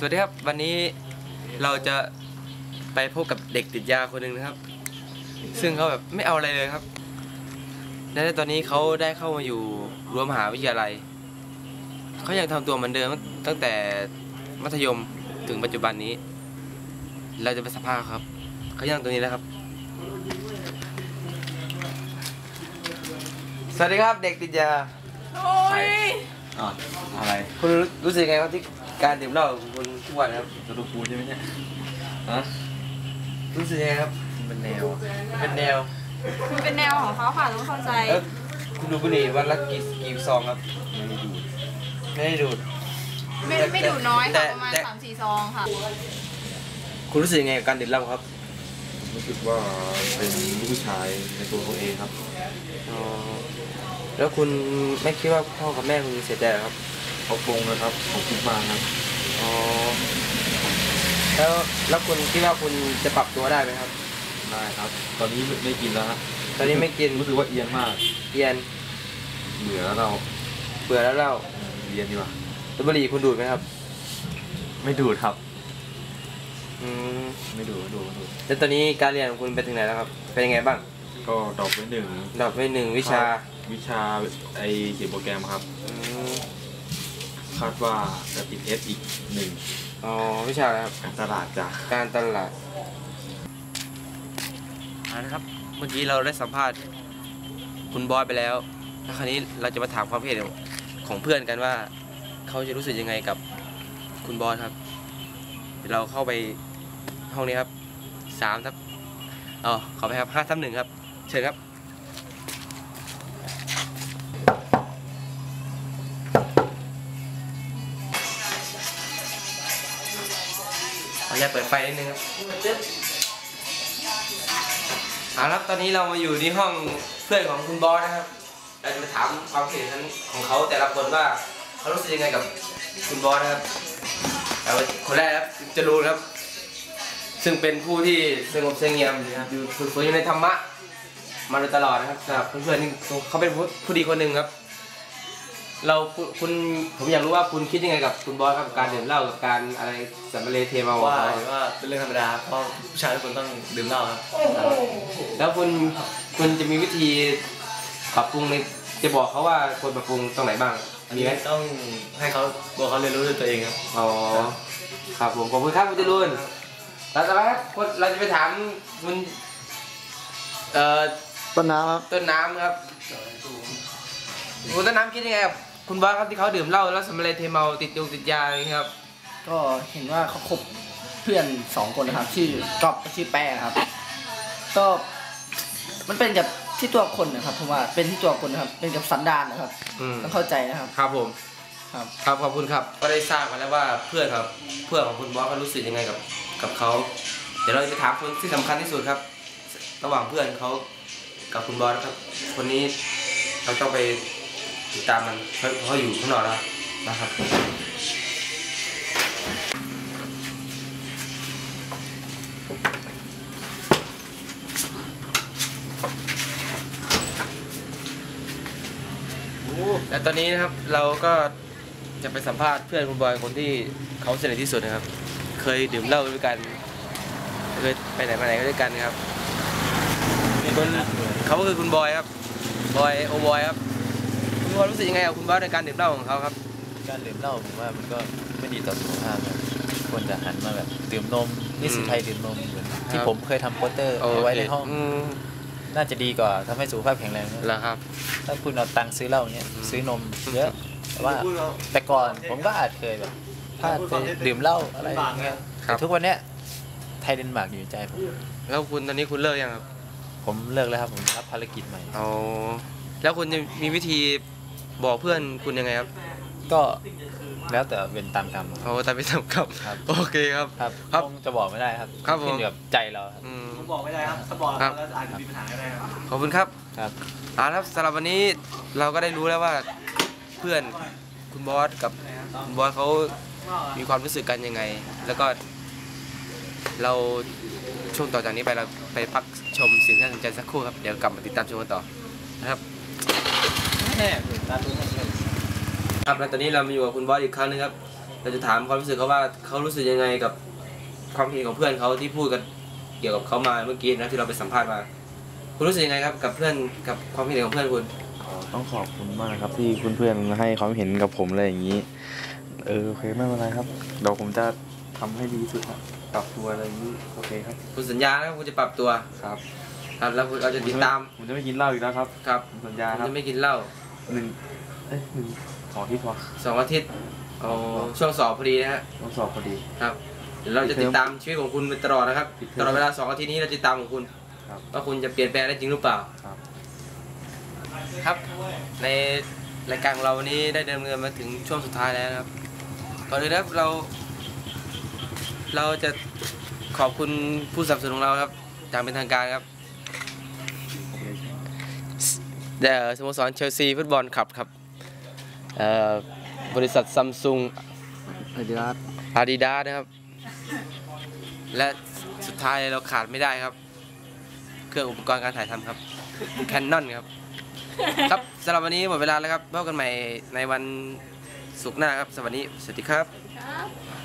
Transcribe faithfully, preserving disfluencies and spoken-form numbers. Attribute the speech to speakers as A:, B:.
A: วัสดีครับวันนี้เราจะไปพบกับเด็กติดยาคนหนึ่งนะครับซึ่งเขาแบบไม่เอาอะไรเลยครับและตอนนี้เขาได้เข้ามาอยู่รั้วมหาวิทยาลัยเขายังทำตัวเหมือนเดิมตั้งแต่มัธยมถึงปัจจุบันนี้เราจะไปสัมภาษณ์ครับเขายังตรงนี้แล้วครับสวัสดีครับเด็กติดยา
B: โอ้ย
C: อ๋ออะไร
A: คุณรู้สึกไงครับที่การดื่มเหล้าของคุณทุกวันครับ
C: จะดูกูใช่ไหมเนี่ย
A: ฮะรู้สึกไงครับ
C: เป็นแนว
A: เป็นแนว
B: มันเป็นแนวของเขาค่ะต้องเข้าใจ
A: แล้วคุณดูบุหรี่วันละกี่กี่ซองครับไม่ได้ดูด
B: ไม่ได้ดูดไม่ไม่ดูดน้อยค่ะประมาณสามสี่ซองค่ะ
A: คุณรู้สึกยังไงกับการดื่มเหล้าครับ
C: รู้สึกว่าเป็นลูกผู้ชายในตัวเขาเองครับ
A: อ๋อแล้วคุณไม่คิดว่าพ่อกับแม่คุณเสียใจหรอครับ
C: เขาปรงนะครับเขาคิดมากนะ
A: อ๋อแล้วแล้วคุณคิดว่าคุณจะปรับตัวได้ไหมครับ
C: ได้ครับตอนนี้ไม่กินแล้วครับ
A: ตอนนี้ไม่กิน
C: รู้สึกว่าเอียนมาก
A: เอียน
C: เบื่อแล้วเรา
A: เบื่อแล้วเรา
C: เอียนดีกว่า
A: แล้วบุหรี่คุณดูดไหมครับ
C: ไม่ดูดครับ
A: อืม
C: ไม่ดูดดูดู
A: แล้วตอนนี้การเรียนของคุณไปถึงไหนแล้วครับเป็นยังไงบ้าง
C: ก็ดรอปไปหนึ่ง
A: ดรอปไปหนึ่งวิชา
C: วิชาไอเขียนโปรแกรมครับคาดว่าจะติดเอสอีกหนึ่ง
A: อ๋อวิชาอะไรครับ
C: การตลาดจ้ะ
A: การตลาดนะครับเมื่อกี้เราได้สัมภาษณ์คุณบอสไปแล้วแล้วคราวนี้เราจะมาถามความเห็นของเพื่อนกันว่าเขาจะรู้สึกยังไงกับคุณบอสครับเดี๋ยวเราเข้าไปห้องนี้ครับสามทับอ๋อขอไปครับห้าทับหนึ่งครับเชิญครับขออนุญาตเปิดไฟนิดนึงครับเอาละครับตอนนี้เรามาอยู่ที่ห้องเพื่อนของคุณบอสนะครับเราจะมาถามความคิดเห็นของเขาแต่ละคนว่าเขารู้สึกยังไงกับคุณบอสนะครับเอาคนแรกครับจะรู้ครับซึ่งเป็นผู้ที่สงบเสงี่ยมอยู่ฝึกฝนอยู่ในธรรมะมาโดยตลอดนะครับสำหรับเพื่อนๆนี่เขาเป็นผู้ดีคนหนึ่งครับเราคุณผมอยากรู้ว่าคุณคิดยังไงกับคุณบอสครับการดื่มเหล้ากับการอะไรสัมมาเลเทเมา
D: ว่าว่าเป็นเรื่องธรรมดาเพราะผู้ชายทุกคนต้องดื่มเหล้าครับ
A: แล้วคุณคุณจะมีวิธีปรับปรุงในจะบอกเขาว่าควรปรับปรุงตรงไหนบ้าง
D: มีไหมต้องให้เขาตัวเขาเรียนรู้ด้วยตัวเองครับ
A: อ๋อครับผมขอบคุณครับคุณจรุนแล้วต่อไปครับเราจะไปถามคุณเอ่อ
E: ต้นน้ำครับ
A: ต้นน้ำครับคุณต้นน้ำคิดยังไงครับคุณบอสครับที่เขาดื่มเหล้าแล้วสัมมาเลเทเมาติดยงติดยาอะไรครับ
E: ก็เห็นว่าเขาคบเพื่อนสองคนนะครับชื่อก๊อฟชื่อแป้ครับก็มันเป็นกับที่ตัวคนนะครับผมว่าเป็นที่ตัวคนนะครับเป็นกับสันดานนะครับต้องเข้าใจนะครับ
A: ครับผม
E: ครับ
A: ครับขอบคุณครับก็ได้ทราบมาแล้วว่าเพื่อนครับเพื่อนของคุณบอสเขารู้สึกยังไงกับกับเขาเดี๋ยวเราจะถามคนที่สำคัญที่สุดครับระหว่างเพื่อนเขากับคุณบอสครับคนนี้เราต้องไปติดตามมันเพราะเขาอยู่ข้างนอกแล้วนะครับและตอนนี้นะครับเราก็จะไปสัมภาษณ์เพื่อนคุณบอยคนที่เขาสนิทที่สุดนะครับเคยดื่มเหล้าด้วยกันเคยไปไหนมาไหนก็ด้วยกันครับคนเขาก็คือคุณบอยครับบอยโอบอยครับคุณบอยรู้สึกยังไงกับคุณบอยในการดื่มเหล้าของเขาครับ
D: การดื่มเหล้าผมว่ามันก็ไม่ดีต่อสุขภาพครับควรจะหันมาแบบดื่มนมนิสิตไทยดื่มนมเหมือนที่ผมเคยทำโปสเตอร์เอาไว้ในห้องน่าจะดีกว่าทำให้สุขภาพแข็งแรง
A: แล้วครับ
D: ถ้าคุณเอาตังค์ซื้อเหล้าเนี้ยซื้อนมเยอะแต่ว่าแต่ก่อนผมก็อาจเคยแบบพลาดไปดื่มเหล้าอะไรอย่างเงี้ยแต่ทุกวันเนี้ยไทยเดนมาร์กอยู่ในใจผม
A: แล้วคุณตอนนี้คุณเลิกยังครับ
D: ผมเลิกแล้วครับผมรับภารกิจใหม่
A: อ๋อแล้วคุณจะมีวิธีบอกเพื่อนคุณยังไงครับ
D: ก็แล้วแต่เป็นตามกรรม
A: โอ้ตามเป็นตามกรรมโอเคครับ
D: ครับครับจะบอกไม่ได้ครับขึ้นกับใจเราครับ
B: ผมบอกไม่ได้ครับถ้าบอกแล้วอาจจะมีปัญหาได้ครับ
A: ขอบคุณครับ
D: ครับ
A: อ่าครับสำหรับวันนี้เราก็ได้รู้แล้วว่าเพื่อนคุณบอสกับคุณบอสเขามีความรู้สึกกันยังไงแล้วก็เราช่วงต่อจากนี้ไปเราไปพักชมสิ่งที่น่าสนใจสักครู่ครับเดี๋ยวกลับมาติดตามชมกันต่อนะครับครับแล้วตอนนี้เรามาอยู่กับคุณบอสอีกครั้งนึงครับเราจะถามความรู้สึกเขาว่าเขารู้สึกยังไงกับความคิดของเพื่อนเขาที่พูดกันเกี่ยวกับเขามาเมื่อกี้นะที่เราไปสัมภาษณ์มาคุณรู้สึกยังไงครับกับเพื่อนกับความคิดเห็นของเพื่อนคุณ
C: ต้องขอบคุณมากครับที่เพื่อนๆให้ความเห็นกับผมอะไรอย่างนี้เออโอเคไม่เป็นไรครับเดี๋ยวผมจะทำให้ดีที่สุดครับปรับตัวอะไรอย่างนี้โอเคครับ
A: คุณสัญญานะครับคุณจะปรับตัว
C: ครับ
A: ครับแล้วคุณเราจะติดตาม
C: ผมจะไม่กินเหล้าอีกแล้วครับ
A: ครับ
C: ผมสัญญาครับ
A: จะไม่กินเหล้า
C: หนึ่งเอ้ยหนึ่งสองอาทิตย์พอ
A: สองอาทิตย์อ๋อช่วงสอบพอดีนะฮะ
C: ต้องสอบพอดี
A: ครับเดี๋ยวเราจะติดตามชีวิตของคุณไปตลอดนะครับตลอดเวลาสองอาทิตย์นี้เราจะติดตามของคุณว่าคุณจะเปลี่ยนแปลงได้จริงหรือเปล่า
C: ครับ
A: ครับในรายการของเราวันนี้ได้ดำเนินมาถึงช่วงสุดท้ายแล้วนะครับก่อนอื่นนะครับเราเราจะขอบคุณผู้สนับสนุนของเราครับอย่างเป็นทางการครับเดอะสโมสรเชลซีฟุตบอลคลับครับบริษัทซัมซุงอาดิดาสอาดิดาสนะครับและสุดท้ายเราขาดไม่ได้ครับเครื่องอุปกรณ์การถ่ายทำครับ Canon ครับครับสำหรับวันนี้หมดเวลาแล้วครับพบกันใหม่ในวันศุกร์หน้าครับสวัสดีสวัสดีครับ